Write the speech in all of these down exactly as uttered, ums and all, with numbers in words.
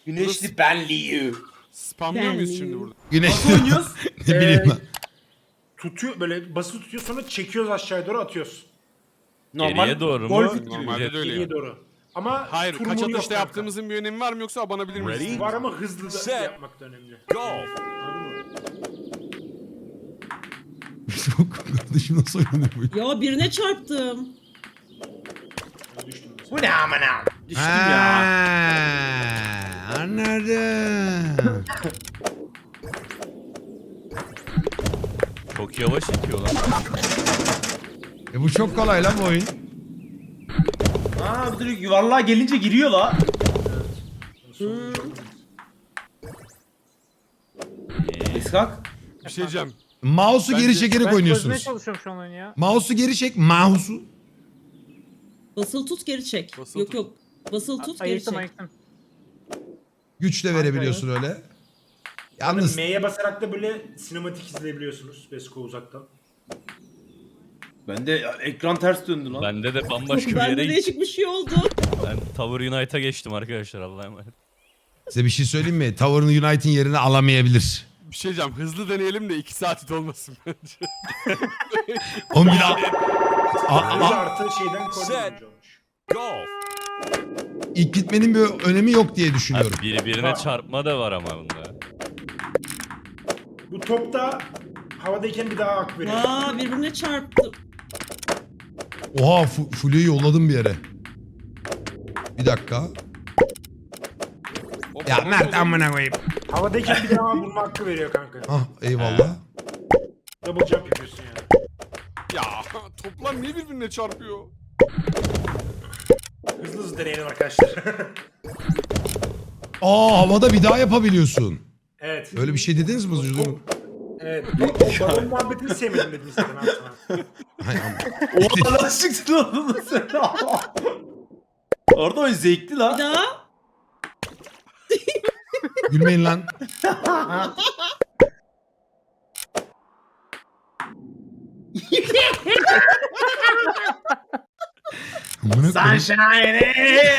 Güneşli benliği. Spamlıyor muyuz şimdi burada? Güneş. Nasıl oynuyoruz? Ne bileyim lan. Tutuyor böyle basılı tutuyor sonra çekiyoruz aşağıya doğru atıyoruz. Geriye doğru mu? Golf gibi. Normalde de öyle. Geriye yani. doğru. Ama Hayır, tur kaç muru yok atışta kanka. yaptığımızın bir önemi var mı yoksa abanabilir miyiz? Ready? Var ama hızlı da Set. yapmak da önemli. Go! Anladın mı? Kardeşim nasıl oynanıyor bu? Ya birine çarptım. Düştüm mesela. Bu ne amına? Düştüm Ha, ya. anladım. Çok yavaş itiyor lan. E bu çok kolay lan bu oyun. Aa bir de yuvarlığa gelince giriyor la. İskak. Bir şey diyeceğim. Mouse'u geri Bence- çekerek Ben çözmeye oynuyorsunuz. çalışıyorum şu an oyunu ya. Mouse'u geri çek. Mouse'u. Basılı tut geri çek. Basılı yok tut. yok. Basılı tut geri Ayıktım çek. ayıktım. Güç de verebiliyorsun öyle. Yalnız M'ye basarak da böyle sinematik izleyebiliyorsunuz Besko uzaktan. Ben de ya, ekran ters döndü lan. Bende de bambaşka bir Bende yere gitti. değişik bir şey oldu. Ben Tower Unite'a geçtim arkadaşlar, Allah'a emanet. size bir şey söyleyeyim mi? Tower Unite'in yerini alamayabilir. Bir şey diyeceğim. Hızlı deneyelim de iki saat it olmasın bence. On bir a- a- Böyle a- artı şeyden koordinatör olmuş. Go! ilk gitmenin bir önemi yok diye düşünüyorum. Abi birbirine çarpma da var ama bunda. Bu topta havadayken bir daha ak veriyor. Aa birbirine çarptım. Oha fu- Fulya'yı yolladım bir yere. Bir dakika. Hop, Ya hop, Mert hop. amına koyayım. Havadayken bir daha vurma hakkı veriyor kanka. Ah eyvallah. Double jump yapıyorsun yani. Ya toplar niye birbirine çarpıyor? Hızlı hızlı deneyelim arkadaşlar. Aa havada bir daha yapabiliyorsun. Evet. Öyle bir şey dediniz mi? Özür dilerim. Evet. O balon muhabbetini sevmedim dedim size ben sana. Hay ama. Oha nasıl çıktın oğlum sen? Orada oyun zevkli Bir la. daha. Gülmeyin lan. Amına koyayım. Sunshine.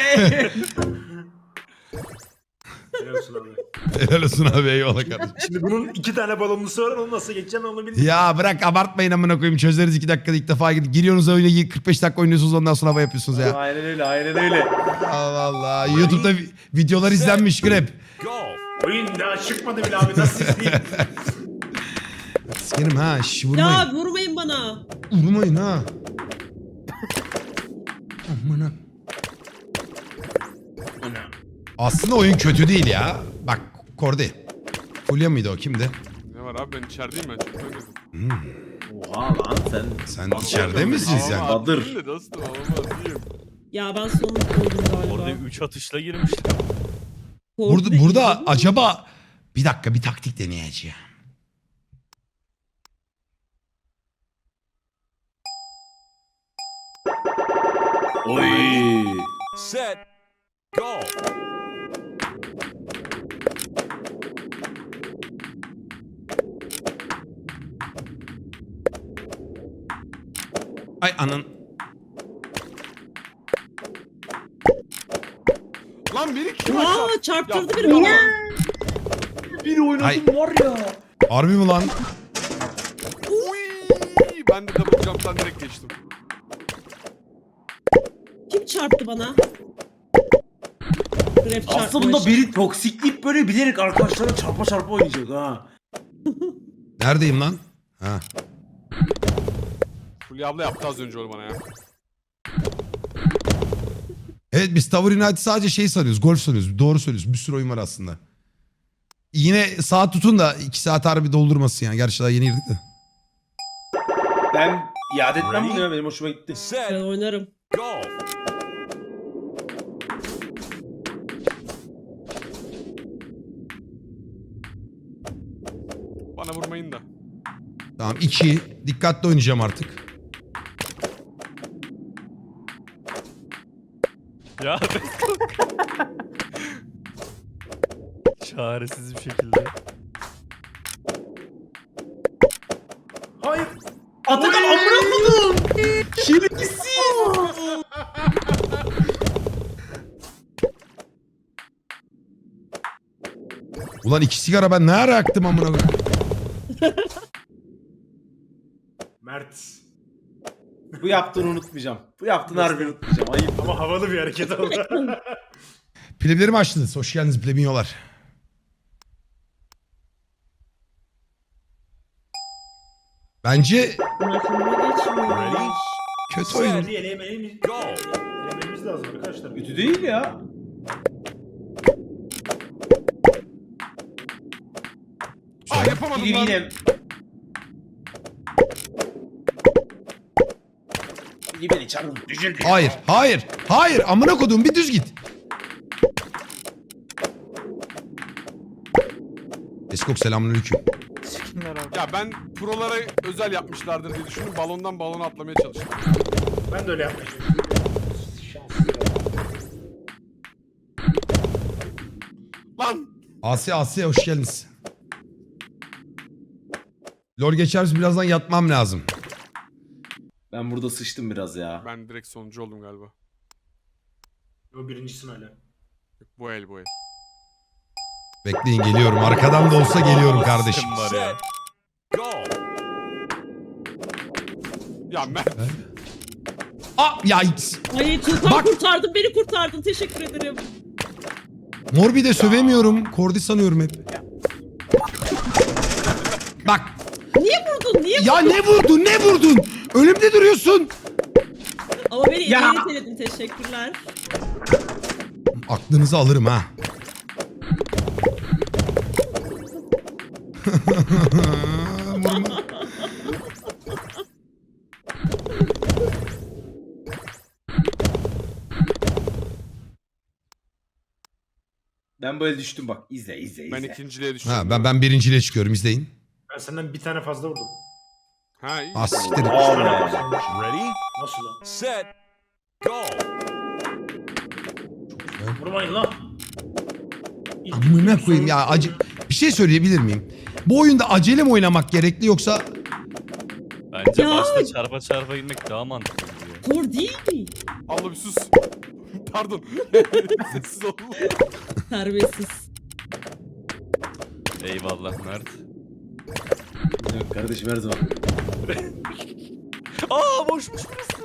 Helal olsun abi. Helal olsun abi eyvallah kardeşim. Şimdi bunun iki tane balonlusu var, onu nasıl geçeceğim onu bilmiyorum. Ya bırak abartmayın amına koyayım. Çözeriz iki dakikada ilk defa gidip giriyorsunuz oyuna kırk beş dakika oynuyorsunuz ondan sonra hava yapıyorsunuz ya. Aynen öyle aynen öyle. Allah Allah. YouTube'da vi- videolar izlenmiş grep. Go! Oyun daha çıkmadı bile abi, nasıl izleyeyim? Sikerim ha şş vurmayın. Ya vurmayın bana. Vurmayın ha. Amına. Aslında oyun kötü değil ya. Bak Kordi. Fulya mıydı o kimdi? Ne var abi ben içerideyim ben çok oynadım. Oha lan sen. Sen içeride misin sen? Ama Badır. atayım da dostum ama atayım. Ya ben sonunu koydum galiba. Orada üç atışla girmişler. Burada, Korktu burada değil mi? acaba bir dakika bir taktik deneyeceğim. Oy. Set! Go! Ay anın. Lan biri kim açar? Aa çarptırdı Ya, biri bana. Bir oynadım Ay. var ya. Harbi mi lan? Uy, ben de double jump'tan direkt geçtim. Kim çarptı bana? Grab Aslında çarpmış. bunda biri toksikleyip böyle bilerek arkadaşlara çarpa çarpa oynayacak ha. Neredeyim lan? Ha. Fulya abla yaptı az önce onu bana ya. Evet biz Tower United sadece şey sanıyoruz. Golf sanıyoruz. Doğru söylüyorsun. Bir sürü oyun var aslında. Yine saat tutun da iki saat harbi doldurmasın yani. Gerçi daha yeni girdik de. Ben iade etmem bunu ya, benim hoşuma gitti. Ben Set! oynarım. Go! Bana vurmayın da. Tamam iki. Dikkatli oynayacağım artık. Ya çaresiz bir şekilde. Hayır. Atakan amına koydum. Şerefsiz. Ulan iki sigara ben ne ara yaktım amına koyayım. Mert. Bu yaptığını unutmayacağım. Bu yaptığını harbi unutmayacağım. Ayıp. Ama havalı bir hareket oldu. Pleblerimi açtınız. Hoş geldiniz plebinyolar. Bence Bırakımına geçmiyor. Ready? kötü oyun. Hadi elemeyi Go. elememiz lazım arkadaşlar. Kötü değil ya. Aa yapamadım Biri lan. yine... Biri beni çarpın. Düşürdü. Hayır, hayır, hayır. Amına koduğum bir düz git. Eskok selamünaleyküm. Ya ben prolara özel yapmışlardır diye düşündüm. Balondan balona atlamaya çalıştım. Ben de öyle yapmaya çalışıyorum. Şanssız ya. Lan! Asya, Asya hoş geldiniz. Lol geçeriz birazdan yatmam lazım. Ben burada sıçtım biraz ya. Ben direkt sonuncu oldum galiba. O birincisin hala. Yok, bu el bu el. Bekleyin geliyorum. Arkadan da olsa geliyorum kardeşim. Kim var ya? Go. Ya Mert. Aa, ya Ay Tuğkan Bak. kurtardın beni kurtardın teşekkür ederim. Morbi de sövemiyorum. Kordi sanıyorum hep. Bak. Niye vurdun niye Ya ne vurdun ne vurdun? Önümde duruyorsun. Ama beni Ya. ileriye iteledin teşekkürler. Aklınızı alırım ha. Vurma. Ben böyle düştüm bak. İzle izle izle. Ben ikinciliğe düştüm. Ha, ben ben birinciyle çıkıyorum izleyin. Ben senden bir tane fazla vurdum. Ha iyi. Ah siktir. Aa Bana be. fazla vurmuş. Ready? Nasıl lan? Set. Go. Vurmayın lan. İlk- Amına ilk koyayım soru- ya acı. Bir şey söyleyebilir miyim? Bu oyunda acele mi oynamak gerekli yoksa Bence Ya. başta çarpa çarpa gitmek daha mantıklı diyor. Kor değil mi? Allah bir sus. Pardon. Sessiz ol. Terbiyesiz. Eyvallah Mert. Yok kardeşim her zaman. Aa boşmuş burası.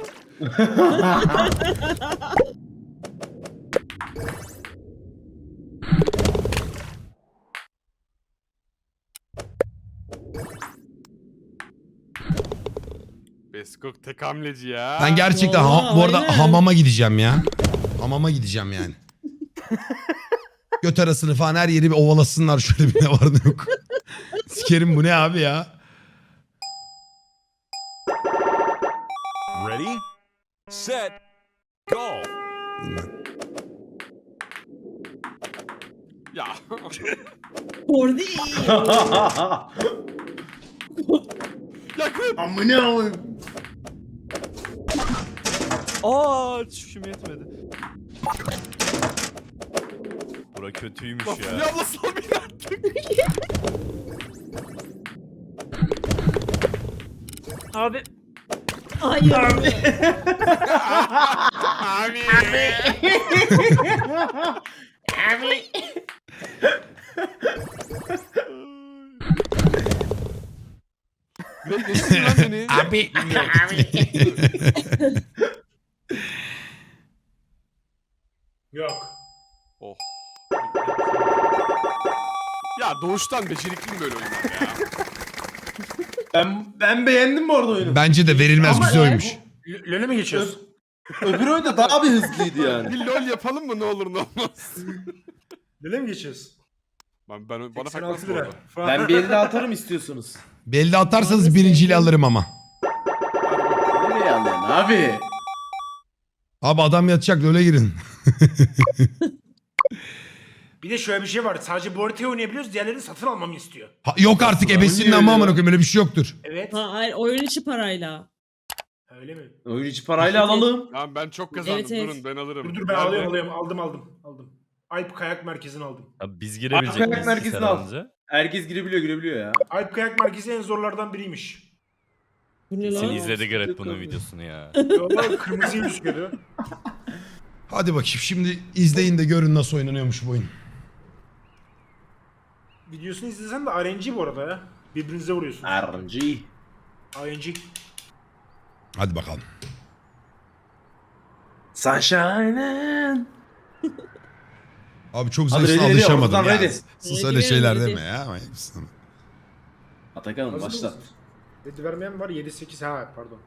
Beskok tek hamleci ya. ben gerçekten ha- Vallahi bu arada aynen. hamama gideceğim ya. Hamama gideceğim yani. Göt arasını falan her yeri bir ovalasınlar şöyle bir ne var ne yok. Sikerim bu ne abi ya? Ready? Set. Go. Ya. Kor değil. Yakın. Amına koyayım. Aa çüşüm yetmedi. Bura kötüymüş Laf ya. ya abla sal beni artık. Abi. Hayır. Abi. Ne geçtin lan beni? Abi. Yok. Oh. Ya doğuştan becerikliyim böyle oyunlar ya. Ben ben beğendim bu arada oyunu. Bence de verilmez Ama güzel ya, oymuş. L- LoL'e mi geçiyoruz? Öbür oyunda daha bir hızlıydı yani. Bir lol yapalım mı ne olur ne olmaz. LoL'e mi geçiyoruz? Ben, ben bana seksen farkmaz altı bu lira. arada. Falan. Ben bir elde atarım istiyorsunuz. Belli atarsanız birinciyle alırım ama. Nereye alıyorsun abi? Abi adam yatacak öyle girin. Bir de şöyle bir şey var. Sadece bu haritayı oynayabiliyoruz. Diğerlerini satın almamı istiyor. Ha, yok artık ebesinin oynuyor ama ya. amına koyayım öyle bir şey yoktur. Evet. Ha, hayır oyun içi parayla. Öyle mi? Oyun içi parayla alalım. Tamam ben çok kazandım Evet, evet. durun ben alırım. Dur dur ben Nerede? alıyorum alıyorum. Aldım aldım. Aldım. Alp Kayak Merkezi'ni aldım. Abi biz girebilecek Arkayak miyiz merkezini sen al. önce? Herkes girebiliyor girebiliyor ya. Alp Kayak Merkezi en zorlardan biriymiş. Bu ne Sen lan? izledi Gareth bunun videosunu ya. Yollar kırmızıyı gözüküyordu. Hadi bakayım şimdi izleyin de görün nasıl oynanıyormuş bu oyun. videosunu izlesen de R N G bu arada ya. Birbirinize vuruyorsunuz. R N G. R N G. Hadi bakalım. Sunshine'ın. Abi çok Hadi zevkli ready, ready, alışamadım oradan ya. ready. Sus Ready, öyle şeyler ready. deme ya. Manyak mısın? Atakan Hazır başla. mısınız? Dedi vermeyen var yedi sekiz ha pardon.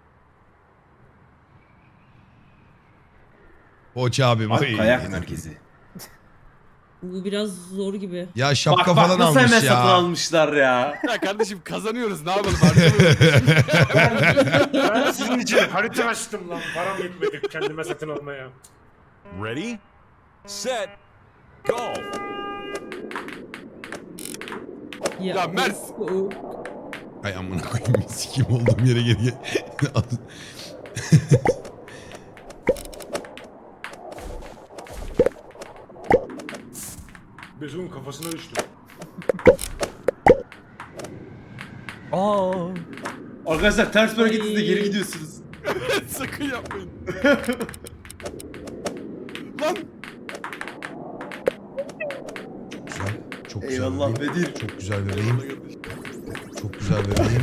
Poğaça abim. Bak oy. kayak merkezi. Bu biraz zor gibi. Ya şapka Bak bak falan nasıl almış hemen satın ya. almışlar ya. Ya kardeşim kazanıyoruz ne yapalım harcamıyoruz. Ben sizin için harita açtım lan. Param yetmedi kendime satın almaya. Ready, set, go. Ya Mert. o- Ay amına koyayım. Sikim olduğum yere geri gel. Bezo'nun kafasına düştüm. Aa. Arkadaşlar ters bir hareketinizde Ay. geri gidiyorsunuz. Sakın yapmayın. Lan. Güzel. Çok güzel. Eyvallah bebeğim. Bedir. Çok güzel bebeğim. Çok güzel bebeğim.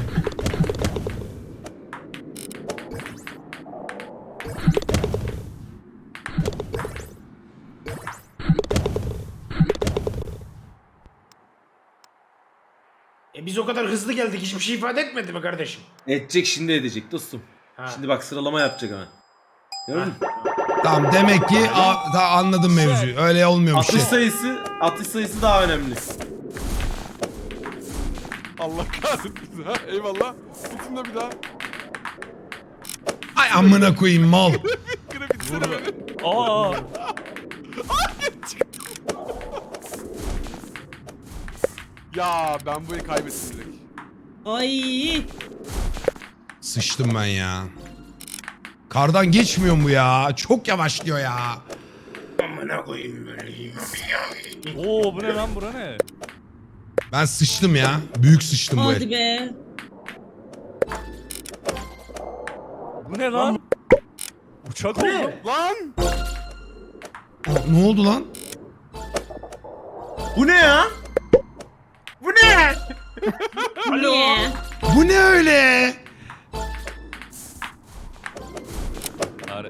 E biz o kadar hızlı geldik hiçbir şey ifade etmedi mi kardeşim? Edecek şimdi edecek dostum. Ha. Şimdi bak sıralama yapacak hemen. Gördün mü? Tamam demek ki a, da anladım mevzuyu. Öyle olmuyormuş. Atış ya. sayısı, atış sayısı daha önemli. Allah kahretsin ha. Eyvallah. Tutun da bir daha. Ay amına koyayım mal. Kire bitsene beni. Aa. Ya ben bu eli kaybettim direkt. Ay. Sıçtım ben ya. Kardan geçmiyor mu ya? Çok yavaşlıyor ya. Amına koyayım böyle. Oo bu ne lan bura ne? Ben sıçtım ya. Büyük sıçtım bu Hadi el. be. Bu ne lan? Uçak oldu. Lan. Aa, ne oldu lan? Bu ne ya? Bu ne? Alo. Bu ne öyle? Are-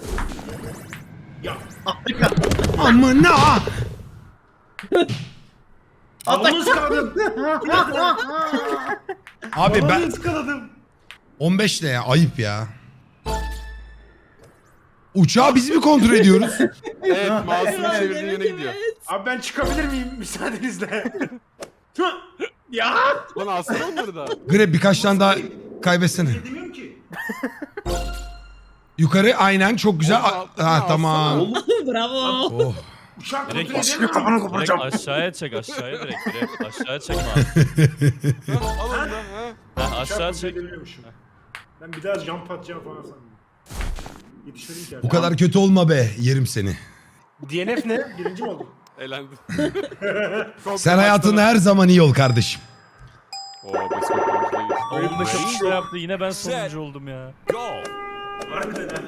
Amına. Balonu ıskaladım. Abi Balonu ben ıskaladım. on beş ne ya? Ayıp ya. Uçağı biz mi kontrol ediyoruz? Evet mouse'unu Evet, çevirdiğin evet, yöne gidiyor. evet. Abi ben çıkabilir miyim müsaadenizle? Ya. Lan aslında olmadı da. Grab birkaç tane daha kaybetsene. Demiyorum ki. Yukarı aynen çok güzel. Oldu, A- altına ha alsana. tamam. Oğlum Bravo. Oh. Uçak Direkt, kontrol edemiyorum. direkt aşağıya çek aşağıya direkt direkt aşağıya çekme abi. Ha, al onu da. Ha. Ha, Uçak aşağı kontrol çek. edebiliyormuşum. Ben bir daha jump atacağım falan sandım. Yetişmedim ki. Bu kadar kötü olma be. Yerim seni. D N F ne? Birinci mi oldum? Elendim. Sen hayatında her zaman iyi ol kardeşim. Oo basketbolcu değil. on beş atışta yaptı yine ben sonuncu oldum ya. Go. Harbiden ha.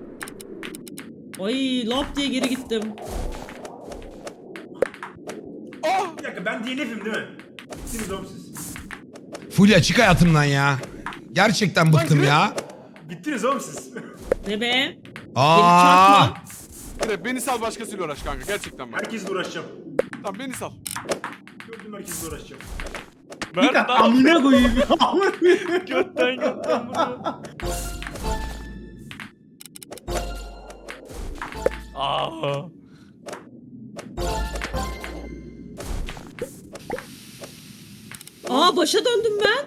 Ay lap diye geri gittim. Bir dakika ben D N F'im değil mi? Bittiniz oğlum siz. Fulya çık hayatımdan ya. Gerçekten bıktım ya. Bittiniz oğlum siz. Ne be? Aa! çarpma. Kire beni sal başkasıyla uğraş kanka gerçekten bak. Herkesle uğraşacağım. Tamam beni sal. Gördüm herkesle uğraşacağım. Mert lan amına koyayım ya. götten götten vuruyor. Aa. Aa başa döndüm ben.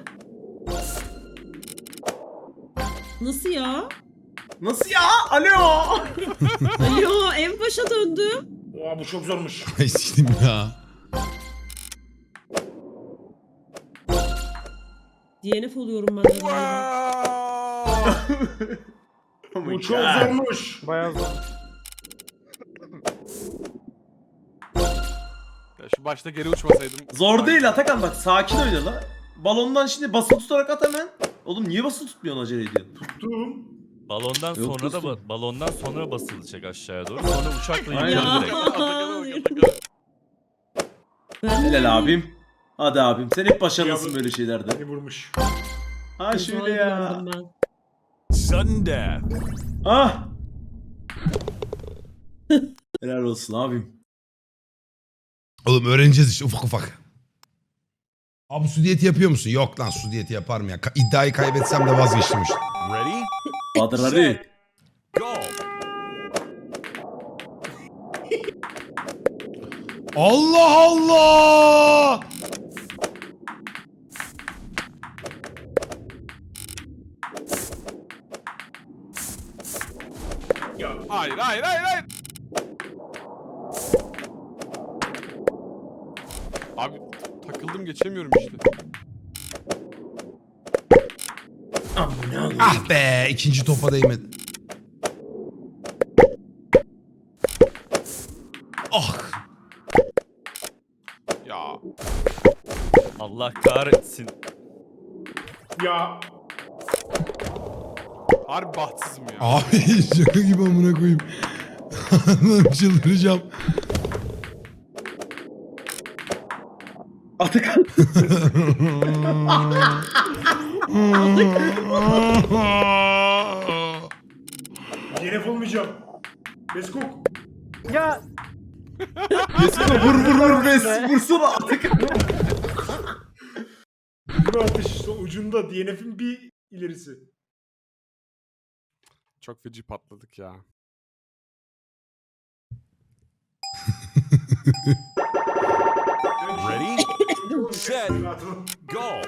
Nasıl ya? Nasıl ya? Alo. Alo en başa döndüm. Oha bu çok zormuş. Ay siktim ya. D N F oluyorum ben de galiba. Wow. Bu çok zormuş. Bayağı zor. Ya şu başta geri uçmasaydım. Zor değil Atakan bak sakin oyna la. Balondan şimdi basılı tutarak at hemen. Oğlum niye basılı tutmuyorsun acele ediyorsun? Tuttum. Balondan Yok, sonra da dostum. ba- balondan sonra basılacak aşağıya doğru. Sonra uçakla Aynen. yukarı Ya. direkt. Atakan'a bak, Atakan'a. Ben Helal abim. Hadi abim sen hep başarılısın Ya bu- böyle şeylerde. Beni vurmuş. Ha şöyle ya. Zorlandım ben. Sudden death. Ah. Helal olsun abim. Oğlum öğreneceğiz işte ufak ufak. Abi su diyeti yapıyor musun? Yok lan su diyeti yaparım ya. Ka- İddiayı kaybetsem de vazgeçtim işte. Ready? Bahadır Ali. Go. Allah Allah! Ya Hayır hayır hayır hayır. Abi takıldım geçemiyorum işte. Ah be ikinci topa değmedi. Ah! Ya Allah kahretsin. ya harbi bahtsızım ya. Abi şaka gibi amına koyayım. Allah'ım çıldıracağım. Atakan. D N F olmayacağım. Beskok. Kesme vur vur vur be. Vursana Atakan. Bu atış son ucunda D N F'in bir ilerisi. Çok feci patladık ya. Ready? Set. Go.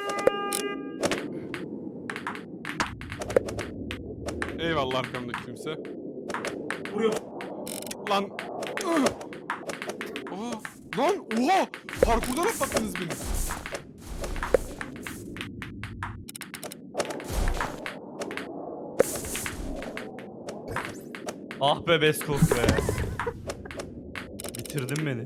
Eyvallah arkamdaki kimse. Vuruyor. Lan. Ih! Aa, lan oha! Parkurdan atlattınız beni. Ah be Beskok be. Bitirdin beni.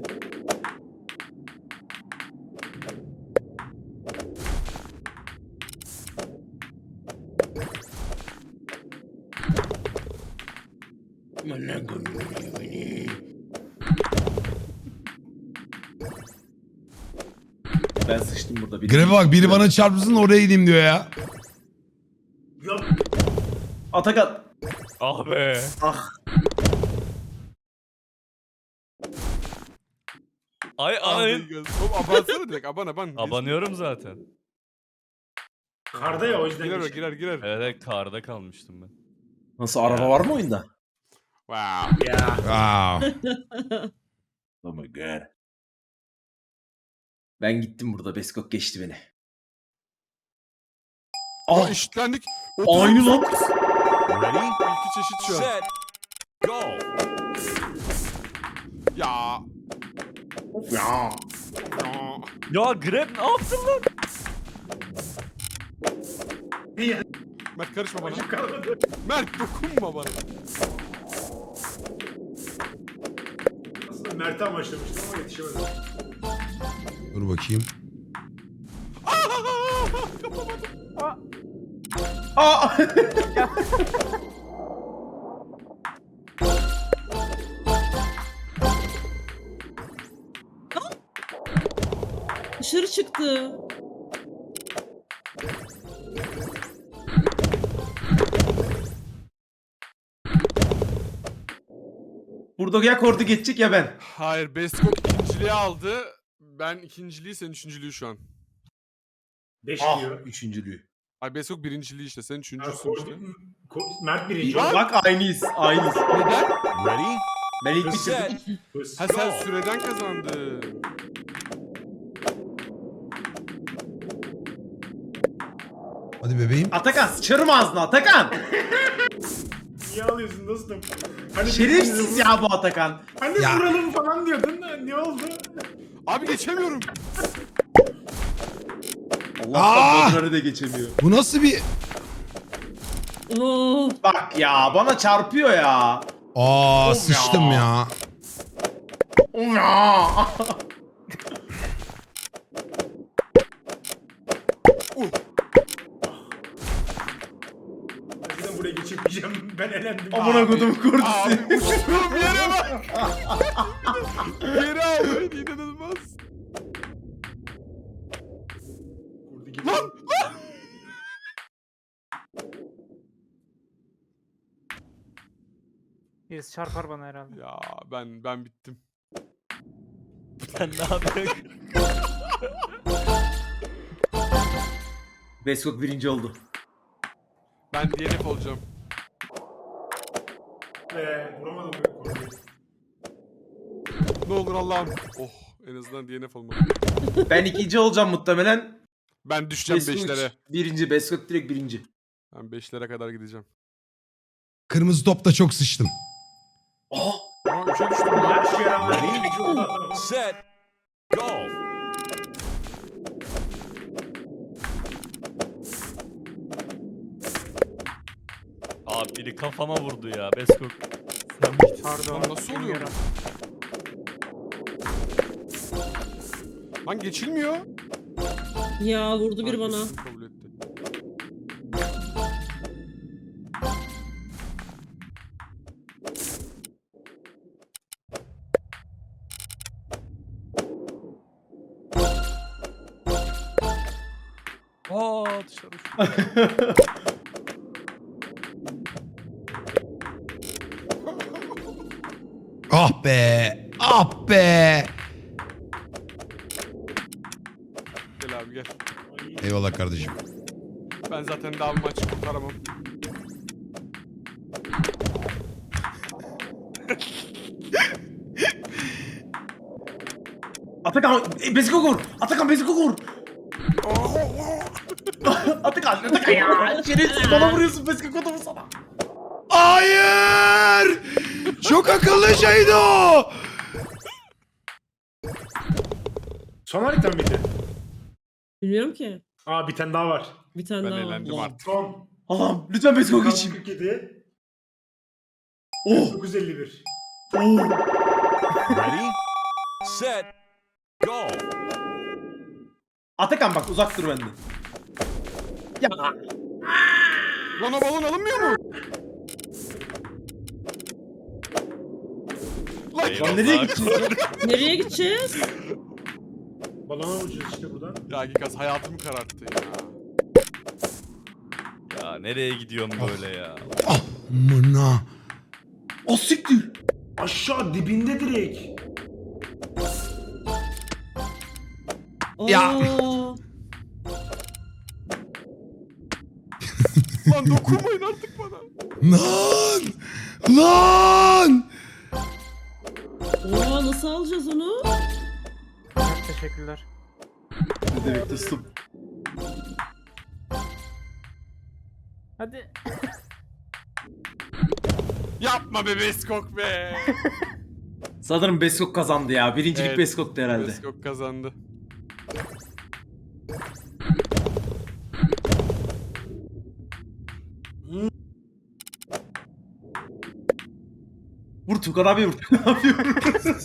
Ben sıçtım burada. Bir Grebe bak biri bana çarpsın oraya gideyim diyor ya. Ya Atakan. Ah be. Ah. Ay Ay. ay. Oğlum abansana direkt aban aban. Abanıyorum zaten. karda ya o yüzden. Girer o geçti. girer girer. Evet, evet karda kalmıştım ben. Nasıl araba var mı oyunda? Wow. Ya. Wow. Oh my god. Ben gittim burada. Beskok geçti beni. Aa Ah. eşitlendik. Aynı lan. Ready? İki çeşit şu an. Set. Go. Ya. Ya. Ya. Ya Grab ne yaptın lan? Ya. Mert karışma bana. Başım kalmadı. Mert dokunma bana. Aslında Mert'e amaçlamıştım ama yetişemedim. Dur bakayım. Aa. Dışarı çıktı. Burada ya Kordi geçecek ya ben. Hayır Beskok ikinciliği aldı. Ben ikinciliği sen üçüncülüğü şu an. Beş Ah. diyor. Üçüncülüğü. Ay Beskok birinciliği işte sen Ha, üçüncüsün Ko- işte. Ko- Mert birinci. Lan! Bak aynıyız. Aynıyız. Neden? Ready? Ben ilk Set. bitirdim. Hız. Ha sen süreden kazandın. Hadi bebeğim. Atakan sıçarım ağzına Atakan. Niye alıyorsun dostum? Hani Şerefsiz ya bu Atakan. Hani Ya. vuralım falan diyordun da ne oldu? Abi geçemiyorum. Allah'tan Aa! Badrar'ı da geçemiyor. Bu nasıl bir... Oh. Bak ya bana çarpıyor ya. Aa Of sıçtım ya. ya. Ya. Ben buraya geçemeyeceğim. Ben elendim. Amına kodum Abi Kordi'si. uçtuğum yere bak. Geri al beni inanılmaz. Birisi çarpar bana herhalde. Ya ben ben bittim. Sen ne yapıyorsun? Beskok birinci oldu. Ben D N F olacağım. Eee vuramadım. Korkuyorum. Ne olur Allah'ım. Oh en azından D N F olmadı. Ben ikinci olacağım muhtemelen. Ben düşeceğim Beskok beşlere. birinci. Beskok direkt birinci. Ben beşlere kadar gideceğim. Kırmızı topta çok sıçtım. Aa! Aa üçe düştüm. Her şeye rağmen birinci oldu. Set. Go. Abi biri kafama vurdu ya. Beskok. Sen miydin? Pardon. Lan nasıl oluyor bilmiyorum. Lan geçilmiyor. Ya vurdu bir Ha, bana. geçsin, kabul etti. Aa dışarı uçtu. Ah be. Ah be. Gel abi gel. Eyvallah kardeşim. Ben zaten daha bir maç kurtaramam. Atakan e, Beskok vur. Atakan Beskok vur. Atakan Atakan ya. Şerefsiz bana vuruyorsun Beskok adamı sana. Hayır. Çok akıllı şeydi o. Son harita mıydı? Bilmiyorum ki. Aa bir tane daha var. Bir tane Ben daha var. eğlendim artık. Son. Allah'ım lütfen Beskok geçeyim. kırk yedi. Oh. dokuz elli bir. Oh. Ready? Set. Go. Atakan bak uzak dur benden. Ya. Lan o balon alınmıyor mu? Lan Lan nereye gideceğiz? Nereye gideceğiz? Balona vuracağız işte buradan. ya Gikas hayatımı kararttı ya. Ya nereye gidiyorsun böyle ya? Ah mına. O siktir. Aşağı dibinde direkt. Ya. Aa, Lan dokunmayın artık bana. Lan. Lan. Aa, nasıl alacağız onu? Evet, teşekkürler. Ne demek dostum? Hadi. Yapma be Beskok be. Sanırım Beskok kazandı ya. Birincilik Evet. Beskok'tu herhalde. Beskok kazandı. Vur Tukan abi vur. Ne yapıyorum?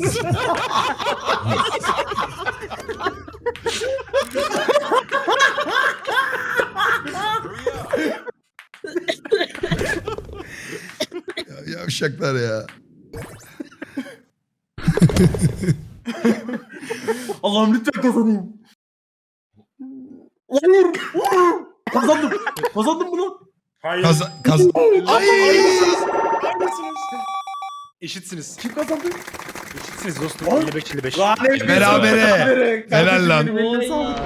Ya, yavşaklar ya. Allah'ım lütfen kazanayım. Vur. Vur. Kazandım. Kazandım bunu. Hayır. Kaza kaz Ay. Eşitsiniz. Kim kazandı? Eşitsiniz dostum. Oy. elli beş elli beş. Berabere. Berabere. Helal lan. Oy ya.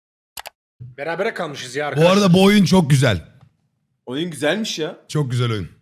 Berabere kalmışız ya Bu arkadaşlar. arada bu oyun çok güzel. Oyun güzelmiş ya. Çok güzel oyun.